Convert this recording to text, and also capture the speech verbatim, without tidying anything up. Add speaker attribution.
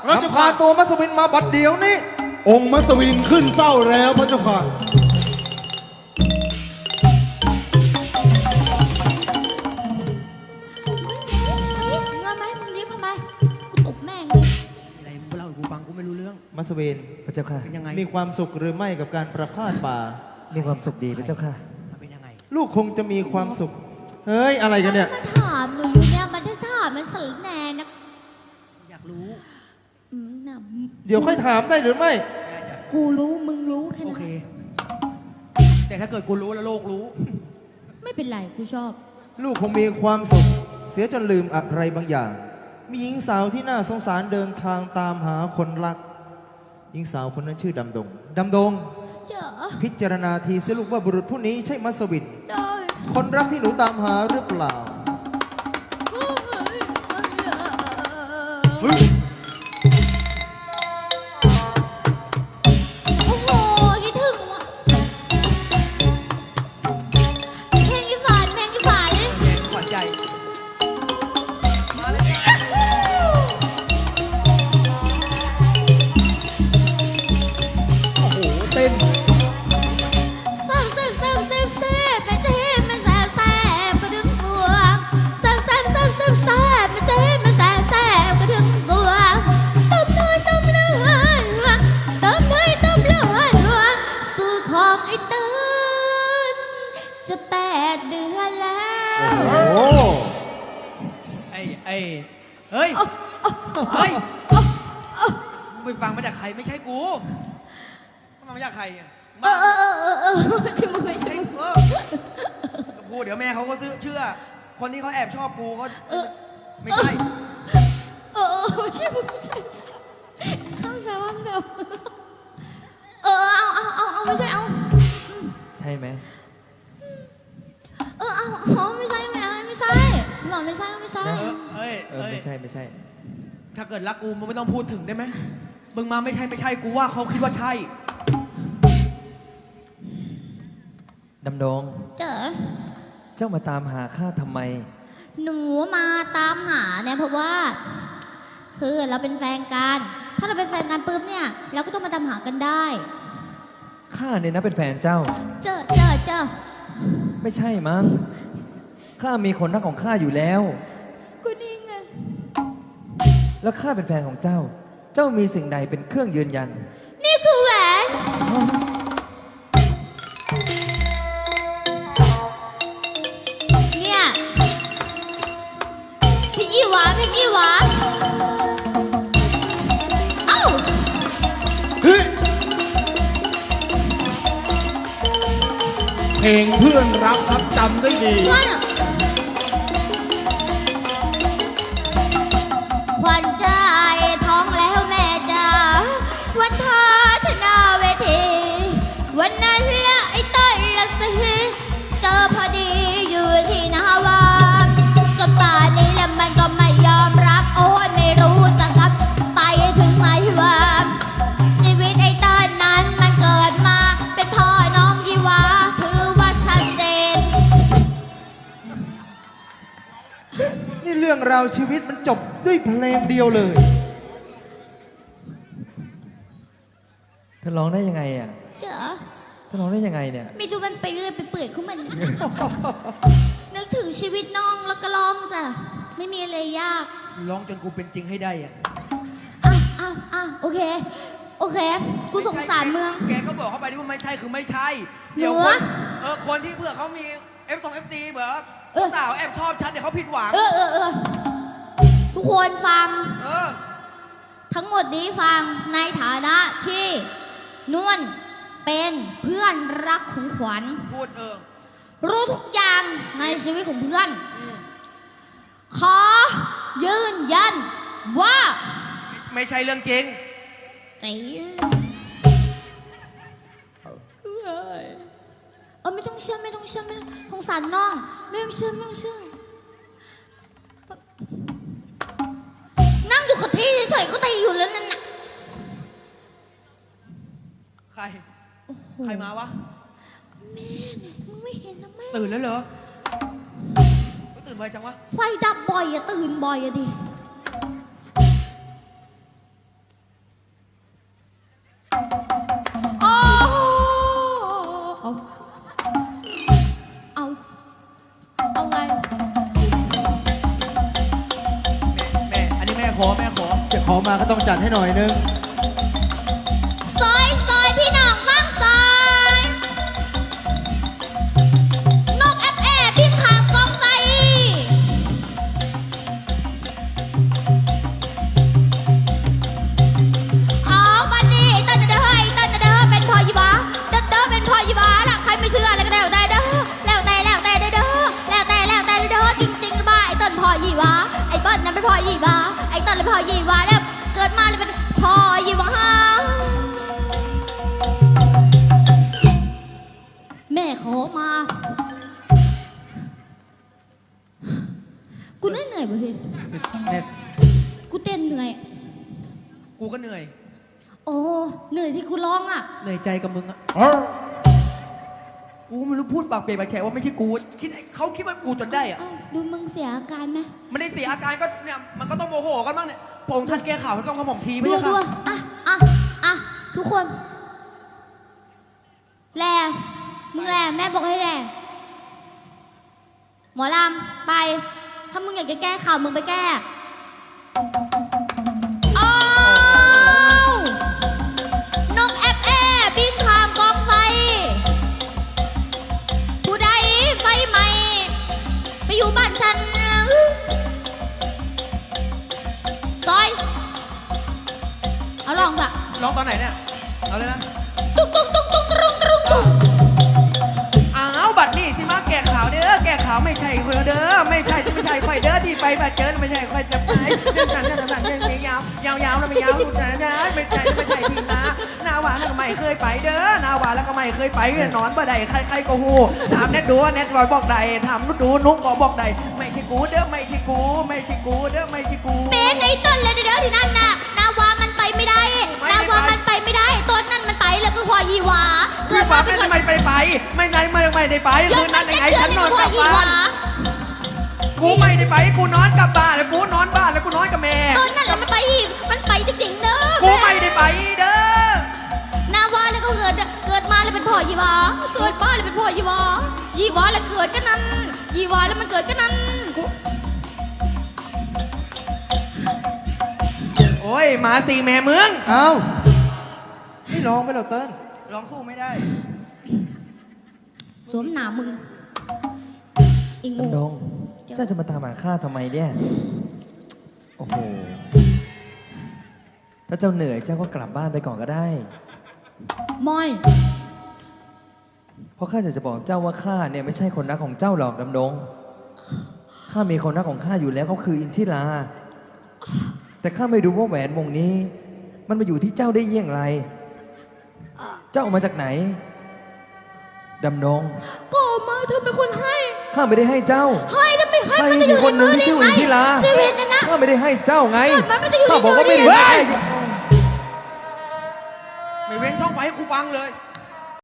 Speaker 1: เราจะพาตัวมัสวินมาบัดเดียวนี้องค์มัสวินขึ้นเฝ้าแล้วพระเจ้าค่ะ
Speaker 2: เงินไหมมึงรีบทำไมกูตบแม่งเลย
Speaker 3: อะไรมึงเล่าให้กูฟังกูไม่รู้เรื่อง
Speaker 1: มัสวิน
Speaker 4: พระเจ้าค่ะ
Speaker 3: เป็นยังไง
Speaker 1: มีความสุขหรือไม่กับการประพาสป่า
Speaker 4: มีความสุขดีพระเจ้าค่ะ
Speaker 3: มันเป็นยังไง
Speaker 1: ลูกคงจะมีความสุขเฮ้ยอะไรกันเนี่ย
Speaker 2: มาถามหนูอยู่เนี่ยมันจะถามมันสารแหน่นะ
Speaker 3: อยากรู้
Speaker 2: อืมน่ะ
Speaker 1: เดี๋ยวค่อยถามได้หรือไม่
Speaker 2: กูรู้มึงรู้แค่
Speaker 3: โอ
Speaker 2: นั้น
Speaker 3: เค แต่ถ้าเกิดกูรู้แล้วโลกรู้
Speaker 2: ไม่เป็นไรกูชอบ
Speaker 1: ลูกคงมีความสุขเสียจนลืมอะไรบางอย่าง มีหญิงสาวที่น่าสงสารเดินทางตามหาคนรัก หญิงสาวคนนั้นชื่อดำดง ดำดง
Speaker 2: เจอ
Speaker 1: พิจารณาทีสิลูกว่าบุรุษผู้นี้ใช่มัสวิน
Speaker 2: ได้
Speaker 1: คนรักที่หนูตามหาหรือเปล่า
Speaker 3: เฮ้ย
Speaker 2: โอ้โหคิดถึงว่ะเพลงอีฝันเพลงอีฝัน
Speaker 3: แดงขวัญใจมาเลย
Speaker 1: โอ้โห เต้น
Speaker 2: แซ่บแซ่บแซ่บแซ่บแซ่บมันจะเห็นมันแซ่บแซ่บก็ดึงฟัวแซ่บแซ่บแซ่บแซ่บแซ่บมันจะเห็นมันแซ่บแซ่บก็ดึงฟัวต้มน้อยต้มเลือดต้มน้อยต้มเลือดสู่ของไอ้ตื่นจะแปดเดือนแล้ว
Speaker 1: โอ้โห
Speaker 3: ไอ้ไอ้เฮ้ย เฮ้ยมึงไปฟังมาจากใครไม่ใช่กูฟังมาจากใครอ่ะ
Speaker 2: เออเออเออเออเออใช่มือใช่
Speaker 3: ไอ้
Speaker 2: มือ
Speaker 3: เออกูเดี๋ยวแม่เขาก็ซื้อเชื่อ คนที่เขาแอบชอบกูเขาไม่ใช่
Speaker 2: เออเออใช่มือใช่ใช่ห้ามแซวห้ามแซวเออเอาเอาเอาเอาไม่ใช่เอา
Speaker 4: ใช่ไหม
Speaker 2: เออเอาเอาไม่ใช่ไม่ใช่ไม่ใช่หล่อนไม่ใช่ไม่ใช่
Speaker 3: เออเอ้ย
Speaker 4: เออ
Speaker 3: เอ้ย
Speaker 4: ไม่ใช่ไม่ใช่
Speaker 3: ถ้าเกิดรักกูมึงไม่ต้องพูดถึงได้ไหมมึงมาไม่ใช่ไม่ใช่กูว่าเขาคิดว่าใช่
Speaker 4: ดำดง
Speaker 2: เจอ
Speaker 4: เจ้ามาตามหาข้าทำไม
Speaker 2: หนูมาตามหาเนี่ยเพราะว่า คือเราเป็นแฟนกัน ถ้าเราเป็นแฟนกันปุ๊บเนี่ยเราก็ต้องมาตามหากันได้
Speaker 4: ข้าเนี่ยนะเป็นแฟนเจ้า
Speaker 2: เจอเจอเจอ
Speaker 4: ไม่ใช่มั้ง ข้ามีคนรักของข้าอยู่แล้ว
Speaker 2: กูนี่ไง
Speaker 4: แล้วข้าเป็นแฟนของเจ้า เจ้ามีสิ่งใดเป็นเครื่องยืนยัน
Speaker 2: นี่คือแหวนเนี่ยพี่ยี่หวาพี่ยี่หวาเอ้า
Speaker 1: เฮ้ย เพลงเพื่อนรักครับจำได้ดี
Speaker 2: เพื่อนอะขวัญใจท้องแล้วแม่จ๋าวันทาธนาเวทีวันนั้นละไอ้ต้นละสิเจอพอดีอยู่ที่นาวาจนป่านนี้แล้วมันก็ไม่ยอมรับโอ้ยไม่รู้จะกลับไปถึงไหนว่าชีวิตไอ้ต้นนั้นมันเกิดมาเป็นพ่อน้องยี่หวาถือว่าชัดเจน
Speaker 1: นี่เรื่องราวชีวิตมันจบด้วยเพลงเดียวเลย
Speaker 4: เธอร้องได้ยังไงอ่ะ
Speaker 2: เจอ
Speaker 4: เธอร้องได้ยังไงเนี่ย
Speaker 2: ไม่รู้มันไปเรื่อยไปเปื่อยของมัน นึกถึงชีวิตน้องแล้วก็ร้องจ้ะ ไม่มีอะไรยาก
Speaker 3: ร้องจนกูเป็นจริงให้ได้อะ
Speaker 2: อ่ะอ่ะอ่ะโอเค โอเค กูสงสารเมือง
Speaker 3: แกก็บอกเข้าไปที่ว่าไม่ใช่คือไม่ใช่
Speaker 2: หนู
Speaker 3: เดี๋ยวค
Speaker 2: อะ
Speaker 3: นเออคนที่เผื่อเขามี F 2 F ดีเผื่อ
Speaker 2: เออ
Speaker 3: สาวแอบชอบฉันเดี๋ยวเขาผิดหวัง
Speaker 2: เออเออเออทุกคนฟัง
Speaker 3: เออ
Speaker 2: ทั้งหมดนี้ฟังในฐานะที่นวลเป็นเพื่อนรักของขวัญ
Speaker 3: พูดเออ
Speaker 2: รู้ทุกอย่างในชีวิตของเพื่อน
Speaker 3: อืม
Speaker 2: ขอยืนยันว่า
Speaker 3: ไม่ใช่เรื่องจริง
Speaker 2: จริงเออไม่ต้องเชื่อไม่ต้องเชื่อไม่ต้องสงสารน้องไม่ต้องเชื่อไม่ต้องเชื่อนั่งอยู่กับที่เฉยๆก็ตีอยู่แล้วนั่นน่ะ
Speaker 3: ใคร ใครมาวะ
Speaker 2: แม่ไงมึงไม่เห็นนะแม่
Speaker 3: ตื่นแล้วเหรอไม่ตื่นไวจังวะ
Speaker 2: ไฟดับบ่อยอะตื่นบ่อยอะดิเอาเอาเอาไง
Speaker 3: แม่แม่อันนี้แม่ขอแม่ขอ
Speaker 1: จะขอมาก็ต้องจัดให้หน่อยนึง
Speaker 2: ซอยซอยพี่น้องฟังซอยนกแอบแอบบินข้ามกองไฟเอาบันนี้เต้นเด้อเฮ้ยเต้นเด้อเป็นพอยีบาเต้นเด้อเป็นพอยีบาล่ะใครไม่เชื่ออะไรก็แล้วแต่เด้อแล้วแต่แล้วแต่เด้อแล้วแต่แล้วแต่เด้อจริงๆบ้าไอ้เต้นพอยีบาไอ้เต้นนั้นเป็นพอยีบาไอ้เต้นเป็นพอยีบาแล้วเกิดมาเลยเป็นพอยีบาแม่ขอมา กูเหนื่อยเหนื่อยบ่พี่
Speaker 3: แม่
Speaker 2: กูเต้นเหนื่อย
Speaker 3: กูก็เหนื่อย
Speaker 2: โอ้ เหนื่อยที่กูร้องอ่ะ
Speaker 3: เหนื่อยใจกับมึงอะกูไม่รู้พูดปากเปียกปากแฉะว่าไม่ใช่กูคิดเขาคิดว่ากูจนได้อะ
Speaker 2: เอ้าดูมึงเสียอาการไหม
Speaker 3: มันได้เสียอาการก็เนี่ยมันก็ต้องโมโหกันบ้างเนี่ยพระองค์ท่านแก้ข่าวให้ต้องกระหม่อมทีไม่
Speaker 2: ดู
Speaker 3: ใช่
Speaker 2: ดู
Speaker 3: ค่ะ
Speaker 2: อ่ะอ่ะอ่ะทุกคน แลมึงแลแม่บอกให้แลหมอลำไป ถ้ามึงอยากจะแก้ข่าวมึงไปแก้อ้าวนกแอบแอบบินข้ามกองไฟ ผู้ใดไฟไหม้ไปอยู่บ้านฉันซอย เอาลองจ้ะ
Speaker 3: ร้องตอนไหนเนี่ยเอาเลยนะ
Speaker 2: ตุ้งตุ้งตุ้งตุ้งตุ้งตุ้งตุ้ง
Speaker 3: อ้าวบัดนี้สิมาแก้ข่าวเด้อแก้ข่าวไม่ใช่คนเด้อไม่ใช่ไม่ใช่ไฟเด้อที่ไปบัดเจอไม่ใช่ไฟจะไปเรื่องนั้นเรื่องนั้นเรื่องนี้ยาวยาวยาวแล้วไม่ยาวดูนะนะไม่ใช่ไม่ใช่ทีนะนาหวานแล้วก็ไม่เคยไปเด้อนาหวานแล้วก็ไม่เคยไปนอนบ่ได้ใครใครก็ฮู้ถามแนทดูแนทบอกใดถามนุชดูนุ๊กก็บอกใดไม่ใช่กูเด้อไม่ใช่กูไม่ใช่กูเด้อไม่ใช่กู
Speaker 2: เป็นไอ้ต้นเลยเด้อที่นั่นน่ะนาวามันไปไม่ได้ นาวามันไปไม่ได้ต้นนั่นมันไปแล้วก็พอยีหวา
Speaker 3: เกิดมาเป็นไม่ไปไปไม่ไหนไม่ไม่ได้ไปคืนนั้นยังไงฉันนอนกลับบ้านกูไม่ได้ไปกูนอนกลับบ้านแล้วกูนอนบ้านแล้วกูนอนกับแม่
Speaker 2: ต้นนั่นแหละมันไปอีกมันไปจริงๆเด้อ
Speaker 3: กูไม่ได้ไปเด้อน
Speaker 2: าวาแล้วก็เกิดเกิดมาแล้วเป็นพ่อยีหวาเกิดมาแล้วเป็นพ่อยีหวายีหวาแล้วเกิดกันนั้นยีหวาแล้วมันเกิดกันนั้น
Speaker 3: กูโอ้ยหมาตีแม่เมือง
Speaker 1: เอ้าไม่ร้องไปหรอกเติ้ล
Speaker 3: ร้องสู้ไม่ได้
Speaker 2: สวมหนามึงอิงงู
Speaker 4: ดำดง เจ้าจะมาตามหาข้าทำไมเนี่ย โอ้โห ถ้าเจ้าเหนื่อยเจ้าก็กลับบ้านไปก่อนก็ได้
Speaker 2: มอย
Speaker 4: เพราะข้าอยากจะบอกเจ้าว่าข้าเนี่ยไม่ใช่คนรักของเจ้าหรอกดำดง ข้ามีคนรักของข้าอยู่แล้วเขาคืออินทิรา แต่ข้าไม่รู้ว่าแหวนวงนี้ มันมาอยู่ที่เจ้าได้เยี่ยงไร เจ้าเอามาจากไหน ดำดง
Speaker 2: ก็ออกมาเธอเป็นคนให้
Speaker 4: ข้าไม่ได้ให้เจ้า
Speaker 2: ให้ถ้าไม่ให้
Speaker 4: ให้
Speaker 2: มันจะอ
Speaker 4: อี
Speaker 2: ยู่
Speaker 4: กคนหนึ่ง
Speaker 2: ในมือ
Speaker 4: ที่ชื่อ
Speaker 2: ได้
Speaker 4: อินทิรา
Speaker 2: ชีวิตนะนะ
Speaker 4: ข้าไม่ได้ให้เจ้าไง
Speaker 2: เกิดมามันจะอยู่ใน
Speaker 4: ข้าบอกว่า
Speaker 2: มือ
Speaker 4: ไม่
Speaker 2: ได้
Speaker 4: ได้
Speaker 2: ไง
Speaker 4: ให้
Speaker 3: ไม่เว้นช่องไฟให้กูฟังเลย